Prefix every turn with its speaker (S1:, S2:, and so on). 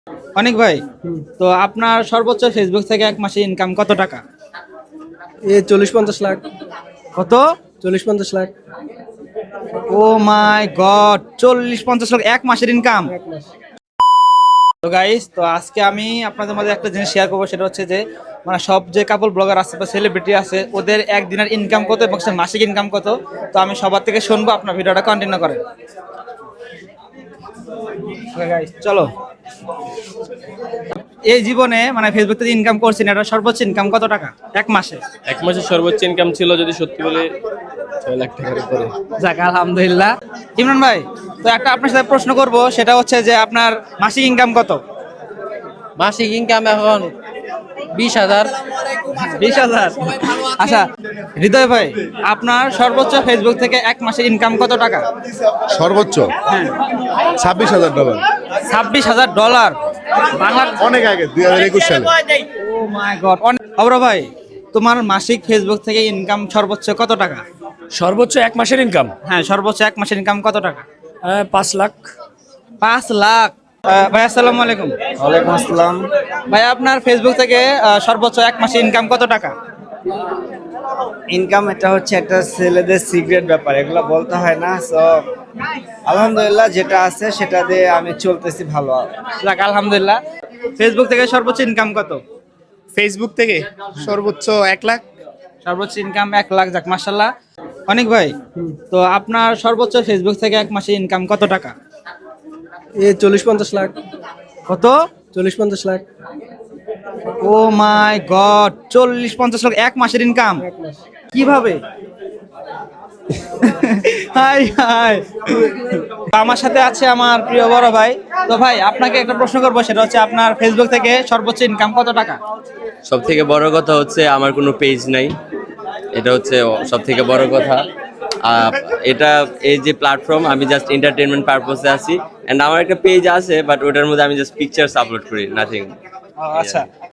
S1: অনেক ভাই, তো আপনার সর্বোচ্চ ফেসবুক থেকে এক মাসে ইনকাম কত টাকা?
S2: 40-50 লাখ।
S1: কত?
S2: 40-50 lakh.
S1: Oh my god, 40-50 lakh এক মাসের ইনকাম!
S2: এক মাস।
S1: তো গাইস, তো আজকে আমি আপনাদের মধ্যে একটা জিনিস শেয়ার করবো, সেটা হচ্ছে যে মানে সব যে কাপল ব্লগার আছে বা সেলিব্রিটি আছে ওদের একদিনের ইনকাম কত এবং সে মাসিক ইনকাম কত। তো আমি সবার থেকে শুনবো, আপনার ভিডিওটা কন্টিনিউ করেন। Okay guys, চলো। এই জীবনে মানে ফেসবুক থেকে ইনকাম করছেন, এটা সর্বোচ্চ ইনকাম কত টাকা এক মাসে?
S3: এক মাসের সর্বোচ্চ ইনকাম ছিল যদি সত্যি বলে 6 লাখ টাকার উপরে।
S1: যাক আলহামদুলিল্লাহ। ইমরান ভাই, তো একটা আপনার সাথে প্রশ্ন করব, সেটা হচ্ছে যে আপনার মাসিক ইনকাম কত?
S4: মাসিক ইনকাম এখন 20,000।
S1: 20,000? আচ্ছা হৃদয় ভাই, আপনার সর্বোচ্চ ফেসবুক থেকে এক মাসের ইনকাম কত টাকা?
S5: সর্বোচ্চ
S1: হ্যাঁ,
S5: $26,000।
S1: $26,000 বাংলা?
S5: অনেক আগে 2021 সালে।
S1: ও মাই গড। অবরা ভাই, তোমার মাসিক ফেসবুক থেকে ইনকাম সর্বোচ্চ কত টাকা?
S6: সর্বোচ্চ এক মাসের ইনকাম
S1: হ্যাঁ, সর্বোচ্চ এক মাসের ইনকাম কত টাকা?
S6: 5 লাখ।
S1: 5 লাখ? ভাই আসসালামু আলাইকুম।
S2: ওয়ালাইকুম আসসালাম।
S1: ভাই, আপনার ফেসবুক থেকে সর্বোচ্চ এক মাসে ইনকাম কত টাকা?
S2: ইনকাম এটা হচ্ছে একটা ছেলেদের সিক্রেট ব্যাপার, এগুলো বলতে হয় না। সো আলহামদুলিল্লাহ যেটা আছে সেটা দিয়ে আমি চলতেছি ভালো।
S1: যাক আলহামদুলিল্লাহ। ফেসবুক থেকে সর্বোচ্চ ইনকাম কত?
S3: ফেসবুক থেকে সর্বোচ্চ 1 লাখ।
S1: সর্বোচ্চ ইনকাম 1 লাখ। যাক মাশাআল্লাহ। অনেক ভাই, তো আপনার সর্বোচ্চ ফেসবুক থেকে এক মাসে ইনকাম কত টাকা?
S2: 40-50 লাখ।
S1: কত?
S2: 40-50 lakh.
S1: Oh my god, 40-50 lakh এক মাসের ইনকাম! কিভাবে? Hi hi. আমার সাথে আছে আমার প্রিয় বড় ভাই। তো ভাই, আপনাকে একটা প্রশ্ন করবো, সেটা হচ্ছে আপনার ফেসবুক থেকে সর্বোচ্চ ইনকাম কত টাকা?
S7: সব থেকে বড় কথা হচ্ছে আমার কোনো পেজ নাই, এটা হচ্ছে সব থেকে বড় কথা। এটা এই যে প্ল্যাটফর্ম, আমি জাস্ট এন্টারটেনমেন্ট পারপোসে আছি, এন্ড আমার একটা পেজ আছে বাট ওটার মধ্যে আমি জাস্ট পিকচার্স আপলোড করি, নাথিং।
S1: আচ্ছা,